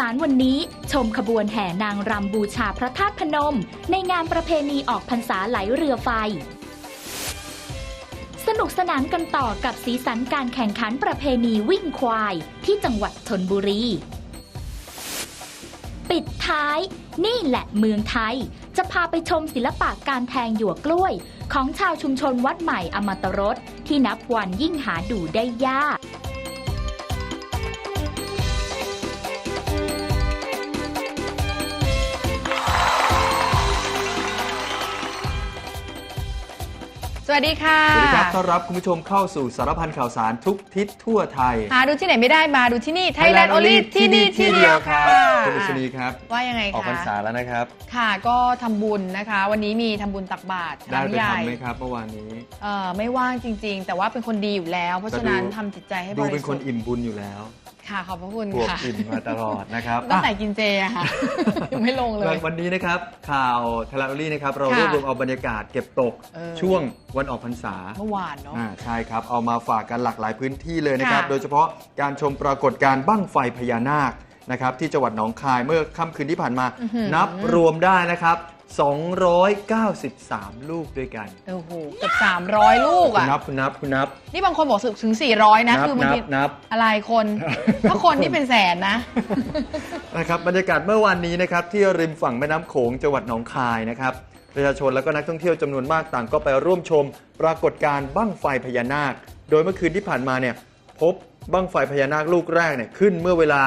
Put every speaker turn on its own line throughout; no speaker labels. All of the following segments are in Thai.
ารวันนี้ชมขบวนแห่นางรำบูชาพระธาตุพนมในงานประเพณีออกพรรษาไหลเรือไฟสนุกสนานกันต่อกับสีสันการแข่งขันประเพณีวิ่งควายที่จังหวัดชลบุรีปิดท้ายนี่แหละเมืองไทยจะพาไปชมศิลปะการแทงหยวกกล้วยของชาวชุมชนวัดใหม่อมตรสที่นับวันยิ่งหาดูได้ยาก
สวัสดีค่ะ
สวัสดีครับต้อนรับคุณผู้ชมเข้าสู่สารพันข่าวสารทุกทิศทั่วไทย
หาดูที่ไหนไม่ได้มาดูที่นี่ Thailand Only ที่นี่ที่เดียวค่ะ
คุณอุศนีครับ
ว่ายังไงคะ
ออกพรรษาแล้วนะครับ
ค่ะก็ทำบุญนะคะวันนี้มีทำบุญตักบาตร
ได้ไปทำไหมครับเมื่อวานนี้
ไม่ว่างจริงๆแต่ว่าเป็นคนดีอยู่แล้วเพราะฉะนั้นทำจิตใจให้บริสุทธิ์
ดูเป็นคนอิ่มบุญอยู่แล้ว
ค่ะขอบพระคุณค่ะ
อิ่มมาตลอดนะครับ
ตั้งแต่กินเจอะค่ะยังไม่ลงเลย
วันนี้นะครับข่าวไทยรัฐออนไลน์นะครับเรารวบรวมเอาบรรยากาศเก็บตกช่วงวันออกพรรษา
เมื่อวานเนาะ
ใช่ครับเอามาฝากกันหลากหลายพื้นที่เลยนะครับโดยเฉพาะการชมปรากฏการณ์บั้งไฟพญานาคนะครับที่จังหวัดหนองคายเมื่อค่ำคืนที่ผ่านมานับรวมได้นะครับ293 ลูกด้วยกัน
โอ้โหเกือบ300ลูกอ่ะ
คุณนับ
นี่บางคนบอกถึง400นะคือบางที
นับ
อะไรคนถ้าคนนี่เป็นแสนนะ
นะครับบรรยากาศเมื่อวานนี้นะครับที่ริมฝั่งแม่น้ำโขงจังหวัดหนองคายนะครับประชาชนและก็นักท่องเที่ยวจำนวนมากต่างก็ไปร่วมชมปรากฏการณ์บั้งไฟพญานาคโดยเมื่อคืนที่ผ่านมาเนี่ยพบบั้งไฟพญานาคลูกแรกเนี่ยขึ้นเมื่อเวลา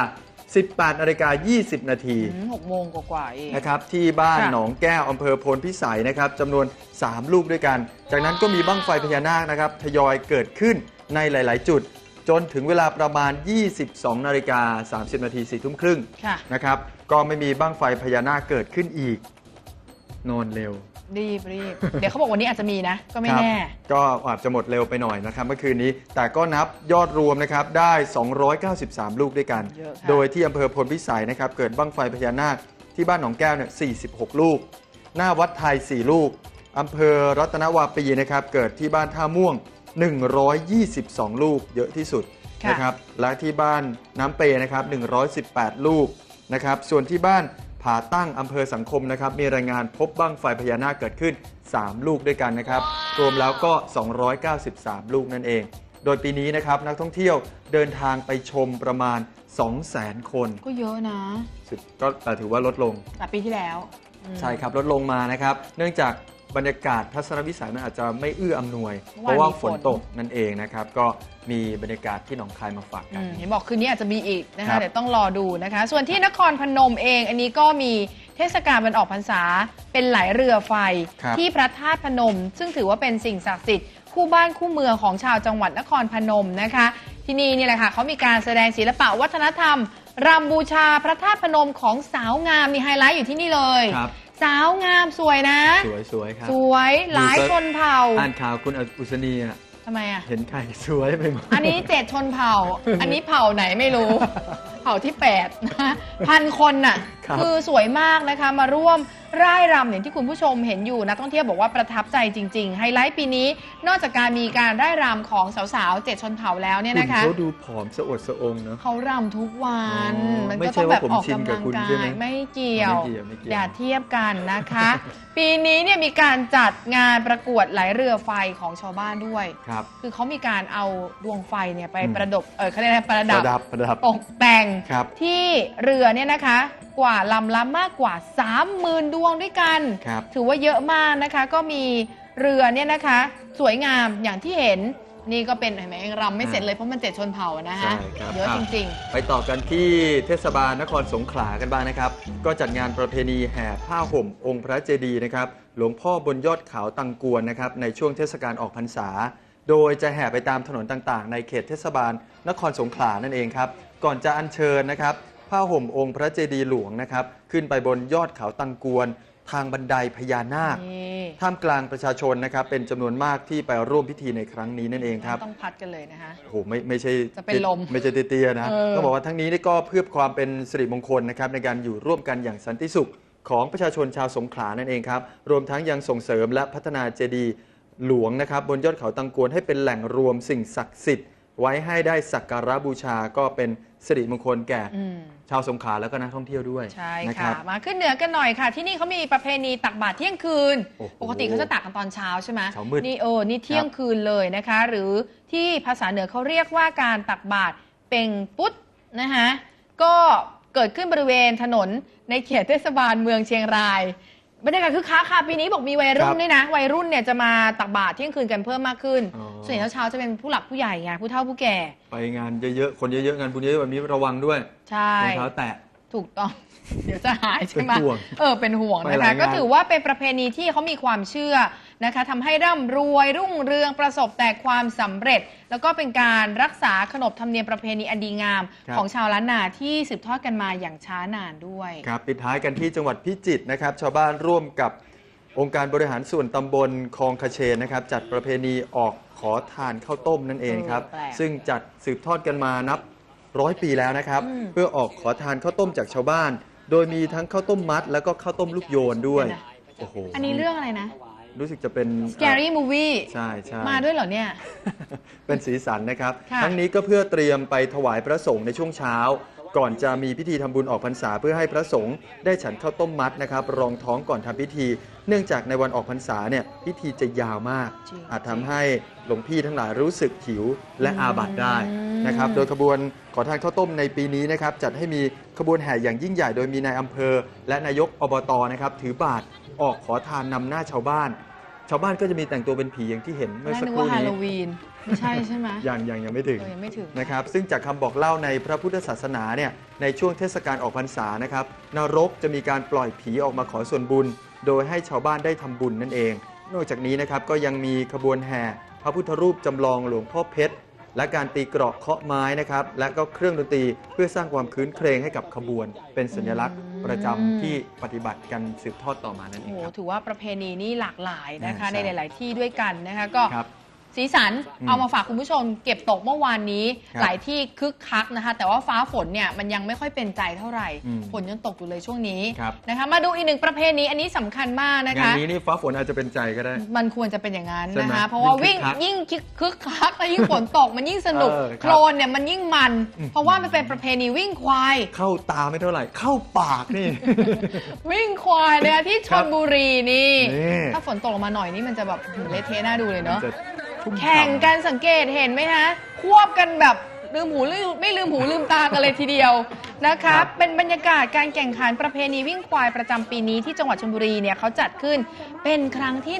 18:20 นาที
6 โมงกว่าเอง
นะครับที่บ้านหนองแก้วอำเภอโพนพิสัยนะครับจำนวน3ลูกด้วยกันจากนั้นก็มีบั้งไฟพญานาคนะครับทยอยเกิดขึ้นในหลายๆจุดจนถึงเวลาประมาณ 22:30 นาที4 ทุ่มครึ่งนะครับก็ไม่มีบั้งไฟพญานาคเกิดขึ้นอีกนอนเร็ว
รีบเดี๋ยวเขาบอกวันนี้อาจจะมีนะก็ไม่แน่
ก็อาจจะหมดเร็วไปหน่อยนะครับเมื่อคืนนี้แต่ก็นับยอดรวมนะครับได้293ลูกด้วยกันโดยที่อำเภอพลพิสัยนะครับเกิดบั้งไฟพญานาคที่บ้านหนองแก้วเนี่ย46ลูกหน้าวัดไทย4ลูกอำเภอรัตนวาปีนะครับเกิดที่บ้านท่าม่วง122ลูกเยอะที่สุดนะครับและที่บ้านน้ำเปนะครับ118ลูกนะครับส่วนที่บ้านผาตั้งอำเภอสังคมนะครับมีรายงานพบบั้งไฟพญานาคเกิดขึ้น3ลูกด้วยกันนะครับรวมแล้วก็293ลูกนั่นเองโดยปีนี้นะครับนักท่องเที่ยวเดินทางไปชมประมาณ 200,000 คน
ก็เยอะนะ
ก็แต่ถือว่าลดลง
จากปีที่แล้ว
ใช่ครับลดลงมานะครับเนื่องจากบรรยากาศทัศนวิสัยมันอาจจะไม่เอื้ออำนวยเพราะว่าฝนตกนั่นเองนะครับก็มีบรรยากาศที่หนองคายมาฝากกัน
เห็นบอกคืนนี้อาจจะมีอีกนะคะเดี๋ยวต้องรอดูนะคะส่วนที่นครพนมเองอันนี้ก็มีเทศกาลวันออกพรรษาเป็นไหลเรือไฟที่พระธาตุพนมซึ่งถือว่าเป็นสิ่งศักดิ์สิทธิ์คู่บ้านคู่เมืองของชาวจังหวัดนครพนมนะคะที่นี่แหละค่ะเขามีการแสดงศิลปะวัฒนธรรมรำบูชาพระธาตุพนมของสาวงามมีไฮไลท์อยู่ที่นี่เลยสาวงามสวยนะ
สวยครับ
สวยหลายชนเผ่า
อ่านข่าวคุณอุศนีอ่ะ
ทำไมอ่ะ
เห็นใครสวยไปหมด
อันนี้7ชนเผ่าอันนี้เผ่าไหนไม่รู้เผ่าที่8นะ1,000 คนน่ะคือสวยมากนะคะมาร่วมร่ายรำอย่างที่คุณผู้ชมเห็นอยู่นักท่องเที่ยวบอกว่าประทับใจจริงๆไฮไลท์ปีนี้นอกจากการมีการร่ายรำของสาวๆ7ชนเผ่าแล้วเนี่ยนะคะ
เขาดูผอมสะอดสะองเนาะ
เขารำทุกวันมันก็ต้องแบบออกกำลังกายไม่เกี่ยวอย่าเทียบกันนะคะปีนี้เนี่ยมีการจัดงานประกวดไหลเรือไฟของชาวบ้านด้วยคือเขามีการเอาดวงไฟเนี่ยไปประดับเขาเรียกอะไรประดับตกแต่งที่เรือเนี่ยนะคะกว่าลำละมากกว่า 30,000 ดวงด้วยกันถือว่าเยอะมากนะคะก็มีเรือเนี่ยนะคะสวยงามอย่างที่เห็นนี่ก็เป็นเห็นไหมรำไม่เสร็จเลยเพราะมัน7ชนเผ่านะฮะเยอะจริง
ๆไปต่อกันที่เทศบาลนครสงขลากันบ้างนะครับก็จัดงานประเพณีแห่ผ้าห่มองค์พระเจดีย์นะครับหลวงพ่อบนยอดเขาตังกวนนะครับในช่วงเทศกาลออกพรรษาโดยจะแห่ไปตามถนนต่างๆในเขตเทศบาลนครสงขลานั่นเองครับก่อนจะอัญเชิญนะครับผ้าห่มองค์พระเจดีย์หลวงนะครับขึ้นไปบนยอดเขาตังกวนทางบันไดพญานาคท่ามกลางประชาชนนะครับเป็นจำนวนมากที่ไปร่วมพิธีในครั้งนี้นั่นเองครับ
ต้องพัดกันเลยนะคะ
โอ้โหไม่ใช่
จะเป็นลม
ไม่ใช่เตี้ยๆนะต้องบอกว่าทั้งนี้ก็เพื่อความเป็นสิริมงคลนะครับในการอยู่ร่วมกันอย่างสันติสุขของประชาชนชาวสงขลานั่นเองครับรวมทั้งยังส่งเสริมและพัฒนาเจดีย์หลวงนะครับบนยอดเขาตังกวนให้เป็นแหล่งรวมสิ่งศักดิ์สิทธิ์ไว้ให้ได้สักการะบูชาก็เป็นสิริมงคลแก่ชชาวสงขลาแล้วก็นักท่องเที่ยวด้วย
ใช่
นะค
ค่ะ
รับ
มาขึ้นเหนือกันหน่อยค่ะ ที่นี่เขามีประเพณีตักบาตรเที่ยงคืน
โอ้โห
ปกติเขาจะตักกันตอนเช้าใช่ไหม
เช้ามืด
นี่เที่ยงคืนเลยนะคะ หรือที่ภาษาเหนือเขาเรียกว่าการตักบาตรเป่งปุ๊ดนะคะก็เกิดขึ้นบริเวณถนนในเขตเทศบาลเมืองเชียงรายบรรยากาศคึกคักค่ะปีนี้บอกมีวัยรุ่นด้วยนะวัยรุ่นเนี่ยจะมาตักบาตรเที่ยงคืนกันเพิ่มมากขึ้น ส่วนใหญ่เช้าๆจะเป็นผู้หลักผู้ใหญ่ไงผู้เฒ่าผู้แก่
ไปงานเยอะๆคนเยอะๆงานบุญเยอะแบบนี้ระวังด้วย
ใช่
รองเท้าแตะ
ถูกต้อง เดี๋ยวจะหายใช่ไหม
เป็นห่วง
เป็นห่วง
ไป
นะ
หลา
คะ
ยงาน
ก็ถือว่าเป็นประเพณีที่เขามีความเชื่อนะคะทำให้ร่ำรวยรุ่งเรืองประสบแต่ความสำเร็จ แล้วก็เป็นการรักษาขนบธรรมเนียมประเพณีอันดีงาม ของชาวล้านนาที่สืบทอดกันมาอย่างช้านานด้วย
ครับปิดท้ายกันที่จังหวัดพิจิตรนะครับชาวบ้านร่วมกับองค์การบริหารส่วนตำบลคลองคเชนนะครับจัดประเพณีออกขอทานข้าวต้มนั่นเองครับ
แปลก
ซึ่งจัดสืบทอดกันมานับ100 ปีแล้วนะครับ เพื่อออกขอทานข้าวต้มจากชาวบ้าน โดยมีทั้งข้าวต้มมัด แล้วก็ข้าวต้มลูกโยนด้วยโอ้โห
อันนี้เรื่องอะไรนะ
รู้สึกจะเป็น
Scary Movie
ใช่ใช่
มาด้วยเหรอเนี่ย
เป็นสีสันนะครับ
ค่ะ
ทั้งนี้ก็เพื่อเตรียมไปถวายพระสงฆ์ในช่วงเช้า ก่อนจะมีพิธีทำบุญออกพรรษาเพื่อให้พระสงฆ์ได้ฉันข้าวต้มมัดนะครับรองท้องก่อนทำพิธี เนื่องจากในวันออกพรรษาเนี่ยพิธีจะยาวมาก
จริง
อาจทำให้หลวงพี่ทั้งหลายรู้สึกหิวและอาบัติได้นะครับโดยขบวนขอทานข้าวต้มในปีนี้นะครับจัดให้มีขบวนแห่อย่างยิ่งใหญ่โดยมีนายอำเภอ และนายกอบตนะครับถือบาตรออกขอทานนำหน้าชาวบ้าน ชาวบ้านก็จะมีแต่งตัวเป็นผีอย่างที่เห็นเมื่อสัก
นึก
ครู่
ว่าฮา
นี้
โลวีนไม่ใช่ใช่ไหม
ยังไม่ถึง
ยังไม่ถึง
นะครับซึ่งจากคำบอกเล่าในพระพุทธศาสนาเนี่ยในช่วงเทศกาลออกพรรษานะครับนรกจะมีการปล่อยผีออกมาขอส่วนบุญ โดยให้ชาวบ้านได้ทำบุญนั่นเอง นอกจากนี้นะครับก็ยังมีขบวนแห่พระพุทธรูปจำลองหลวงพ่อเพชรและการตีเกราะเคาะไม้นะครับและก็เครื่องดนตรีเพื่อสร้างความคืนเครงให้กับขบวน เป็นสัญลักษณ์ประจำที่ปฏิบัติกันสืบทอดต่อมานั่นเอ
โอ้
ง
โห
ครับ
ถือว่าประเพณีนี่หลากหลายนะคะ
ใช่
ในหลาย ๆ ที่ด้วยกันนะคะก็
ครับ
สีสัน
อืม
เอามาฝากคุณผู้ชมเก็บตกเมื่อวานนี้
ครับ
หลายที่คึกคักนะคะ แต่ว่าฟ้าฝนเนี่ยมันยังไม่ค่อยเป็นใจเท่าไหร่
อืม
ฝนยังตกอยู่เลยช่วงนี้
ครับ
นะคะมาดูอีกหนึ่งประเพณีอันนี้สำคัญมากนะ
งาน
คะ
นี้นี่ฟ้าฝนอาจจะเป็นใจก็ได้
มันควรจะเป็นอย่างนั้น
ใช่ไหม
นะคะ เพราะว่า
ยิ่
วิ่ง
งคึกคัก
ยิ่งคึกคักแล้วยิ่งฝนตกมันยิ่งสนุก
ครับ
โคลนเนี่ยมันยิ่งมัน เพราะว่ามันเป็นประเพณีวิ่งควาย
เข้าตาไม่เท่าไหร่ เข้าปากนี่
วิ่งควายนะคะที่ชลบุรีนี่
นี่
ถ้าฝนตกลงมาหน่อยนี่มันจะแบบเละเทะน่าดูเลยเนาะ
จะชุ่มฉ่ำ
แข่งกันสังเกตเห็นไหมฮะควบกันแบบลืมหูไม่ลืมหูลืมตากันเลยทีเดียวนะคะ
ครับ
เป็นบรรยากาศการแข่งขันประเพณีวิ่งควายประจำปีนี้ที่จังหวัดชลบุรีเนี่ยเขาจัดขึ้นเป็นครั้งที่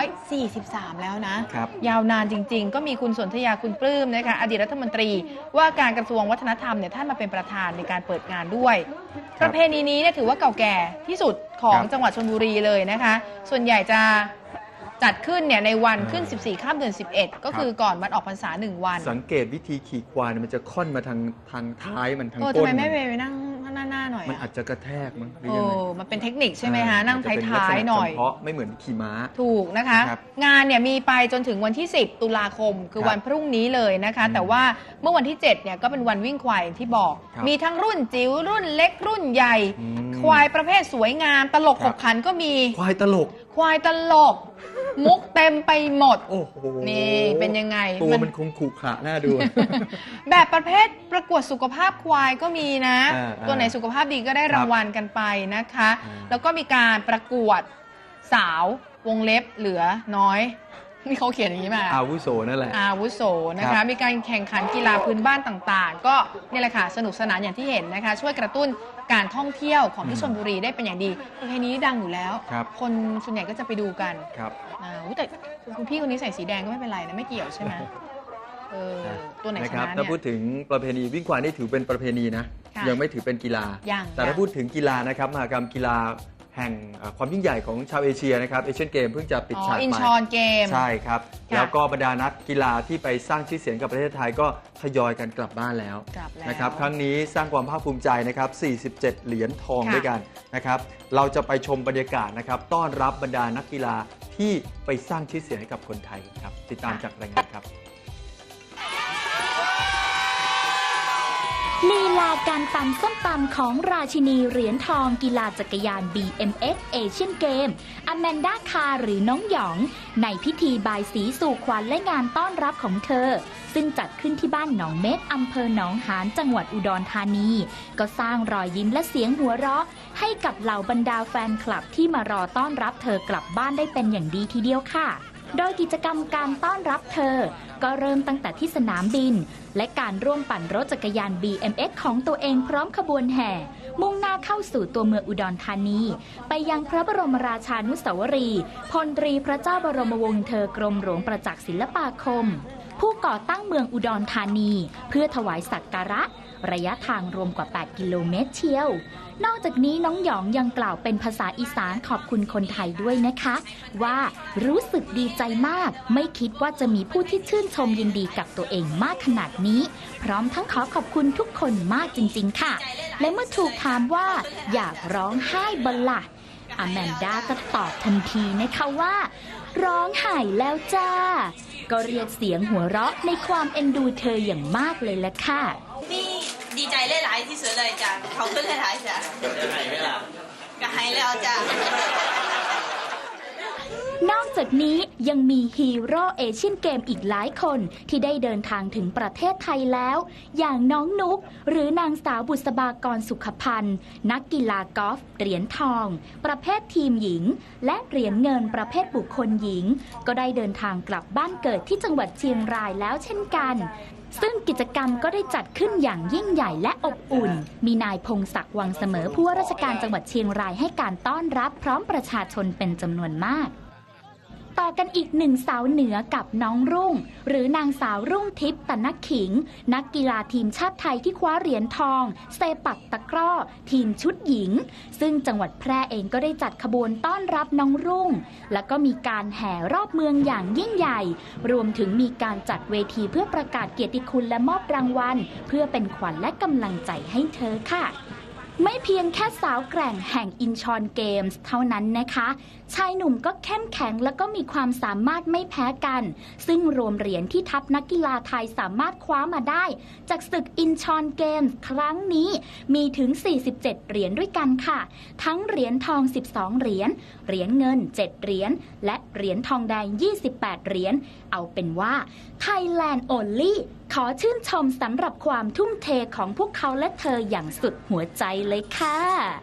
143 แล้วนะ
ครับ
ยาวนานจริง ๆ ก็มีคุณสนธยาคุณปลื้มนะคะอดีตรัฐมนตรีว่าการกระทรวงวัฒนธรรมเนี่ยท่านมาเป็นประธานในการเปิดงานด้วย ประเพณีนี้เนี่ยถือว่าเก่าแก่ที่สุดของ
ครับ
จังหวัดชลบุรีเลยนะคะ ส่วนใหญ่จะจัดขึ้นเนี่ยในวันขึ้น 14 ข้ามเดือน 11 ก็คือก่อนวันออกพรรษา 1 วัน
สังเกตวิธีขี่ควายเนี่ยมันจะค่อนมาทางท้ายมันทาง
ทำ
ก้น
ไมไม่ไปนั่งหน้าหน่อย
มัน
อะ
อาจจะกระแทกมั้งหรือ
โอ้
ยังไง
มันเป็นเทคนิคใช่ไหมคะนั่ง
จจะเป็
ท้ายๆหน่อย
ลักษณะเฉพาะไม่เหมือนขี่ม้า
ถูกนะคะ
ครับ
งานเนี่ยมีไปจนถึงวันที่ 10 ตุลาคม คือ
ครับ
วันพรุ่งนี้เลยนะคะ แต่ว่าเมื่อวันที่ 7 เนี่ยก็เป็นวันวิ่งควายอย่างที่บอก
ครับ
มีทั้งรุ่นจิ๋วรุ่นเล็กรุ่นใหญ่
อืม
ควายประเภทสวยงามตลก
ค
ข
รับบ
ขันก็มี
ควายตลก
ควายตลก มุกเต็มไปหมด
โอ้โห
นี่เป็นยังไง
ตัวมันคงขรุขระน่าดู
แบบประเภทประกวดสุขภาพควายก็มีนะ
อ่า
ตัวไหนสุขภาพดีก็ได้รางวัลกันไปนะคะ
อ่า
แล้วก็มีการประกวดสาววงเล็บเหลือน้อยนี่เขาเขียนอย่างนี้มา
อาวุโสนั่นแหละ
อาวุโสนะ
ครั
คะ
บ
มีการแข่งขันกีฬาพื้นบ้านต่างๆ ก็นี่แหละค่ะสนุกสนานอย่างที่เห็นนะคะ ช่วยกระตุ้นการท่องเที่ยวของที่ชลบุรีได้เป็นอย่างดีประเพณีนี้ดังอยู่แล้ว
ครับ
คนส่วนใหญ่ก็จะไปดูกัน
ครับ
อุ๊ยแต่คุณพี่คนนี้ใส่สีแดงก็ไม่เป็นไรนะไม่เกี่ยวใช่ไหมตัวไหนช
ครับ
นะ
ถ้า
เนี่
พูด
ย
ถึงประเพณีวิ่งควายนี่ถือเป็นประเพณีนะ
ค่ะ
ยังไม่ถือเป็นกีฬา
ยัง
แต่ถ้าพูดถึงกีฬานะครับมหกรรมกีฬาแห่งความยิ่งใหญ่ของชาวเอเชียนะครับเอเชียนเกมเพิ่งจะปิดฉาก
อิน
ไป
ชอนเกม
ใช่ครับ
ค่ะ
แล้วก็บรรดานักกีฬาที่ไปสร้างชื่อเสียงกับประเทศไทยก็ทยอยกันกลับบ้านแล้ว
กลับแล้ว
นะครับครั้งนี้สร้างความภาคภูมิใจนะครับ47 เหรียญทอง
ค่ะ
ด้วยกันนะครับเราจะไปชมบรรยากาศนะครับต้อนรับบรรดานักกีฬาที่ไปสร้างชื่อเสียงให้กับคนไทยครับติดตามจากรายงานครับ
ลีลาการตำส้มตำของราชินีเหรียญทองกีฬาจักรยาน BMX เอเชียนเกมอแมนดาคาหรือน้องหยองในพิธีบายสีสู่ขวัญและงานต้อนรับของเธอซึ่งจัดขึ้นที่บ้านหนองเม็กอำเภอหนองหานจังหวัดอุดรธานีก็สร้างรอยยิ้มและเสียงหัวเราะให้กับเหล่าบรรดาแฟนคลับที่มารอต้อนรับเธอกลับบ้านได้เป็นอย่างดีทีเดียวค่ะโดยกิจกรรมการต้อนรับเธอก็เริ่มตั้งแต่ที่สนามบินและการร่วมปั่นรถจักรยาน BMX ของตัวเองพร้อมขบวนแห่มุ่งหน้าเข้าสู่ตัวเมืองอุดรธานีไปยังพระบรมราชานุสาวรีย์พลตรีพระเจ้าบรมวงศ์เธอกรมหลวงประจักษ์ศิลปาคมผู้ก่อตั้งเมืองอุดรธานีเพื่อถวายสักการะระยะทางรวมกว่า8 กิโลเมตรเชียวนอกจากนี้น้องหยองยังกล่าวเป็นภาษาอีสานขอบคุณคนไทยด้วยนะคะว่ารู้สึกดีใจมากไม่คิดว่าจะมีผู้ที่ชื่นชมยินดีกับตัวเองมากขนาดนี้พร้อมทั้งขอขอบคุณทุกคนมากจริงๆค่ะและเมื่อถูกถามว่าอยากร้องไห้บัลล่ะอแมนดาก็ตอบทันทีนะคะว่าร้องไห้แล้วจ้าก็เรียกเสียงหัวเราะในความเอ็นดูเธออย่างมากเลยละค่ะ
นี่ดีใจหลายๆที่สุดเลยจ้ะเขาขึ้นหลายๆจ้ะจะหายไหมล่ะก็หายแล้วจ้ะ
นอกจากนี้ยังมีฮีโร่เอเชียนเกมอีกหลายคนที่ได้เดินทางถึงประเทศไทยแล้วอย่างน้องนุกหรือนางสาวบุษบากรสุขพันธ์นักกีฬากอล์ฟเหรียญทองประเภททีมหญิงและเหรียญเงินประเภทบุคคลหญิงก็ได้เดินทางกลับบ้านเกิดที่จังหวัดเชียงรายแล้วเช่นกันซึ่งกิจกรรมก็ได้จัดขึ้นอย่างยิ่งใหญ่และอบอุ่นมีนายพงศักดิ์วังเสมอผู้ว่าราชการจังหวัดเชียงรายให้การต้อนรับพร้อมประชาชนเป็นจำนวนมากต่อกันอีกหนึ่งสาวเหนือกับน้องรุ่งหรือนางสาวรุ่งทิพย์ตะนักขิงนักกีฬาทีมชาติไทยที่คว้าเหรียญทองเซปักตะกร้อทีมชุดหญิงซึ่งจังหวัดแพร่เองก็ได้จัดขบวนต้อนรับน้องรุ่งแล้วก็มีการแห่รอบเมืองอย่างยิ่งใหญ่รวมถึงมีการจัดเวทีเพื่อประกาศเกียรติคุณและมอบรางวัลเพื่อเป็นขวัญและกำลังใจให้เธอค่ะไม่เพียงแค่สาวแกร่งแห่งอินชอนเกมส์เท่านั้นนะคะชายหนุ่มก็เข้มแข็งและก็มีความสามารถไม่แพ้กันซึ่งรวมเหรียญที่ทัพนักกีฬาไทยสามารถคว้ามาได้จากศึกอินชอนเกมส์ครั้งนี้มีถึง47เหรียญด้วยกันค่ะทั้งเหรียญทอง12เหรียญเหรียญเงิน7เหรียญและเหรียญทองแดง28เหรียญเอาเป็นว่า Thailand Only ขอชื่นชมสำหรับความทุ่มเทของพวกเขาและเธออย่างสุดหัวใจเลยค่ะ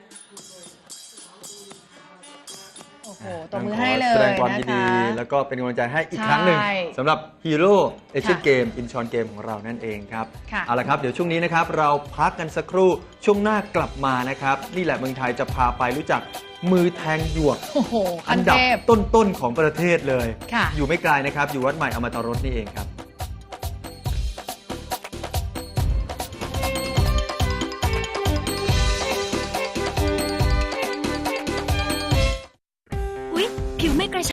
โอ้โหตบมือให้เลย
แสดงความยินดีแล้วก็เป็นกำลังใจให้อีกครั้งหนึ่งสำหรับฮีโร่เอเชียนเกมอินชอนเกมของเรานั่นเองครับเอาละครับเดี๋ยวช่วงนี้นะครับเราพักกันสักครู่ช่วงหน้ากลับมานะครับนี่แหละเมืองไทยจะพาไปรู้จักมือแทงหยวกอันดับต้นๆของประเทศเลยอยู่ไม่ไกลนะครับอยู่วัดใหม่อมตะรสนี่เองครับ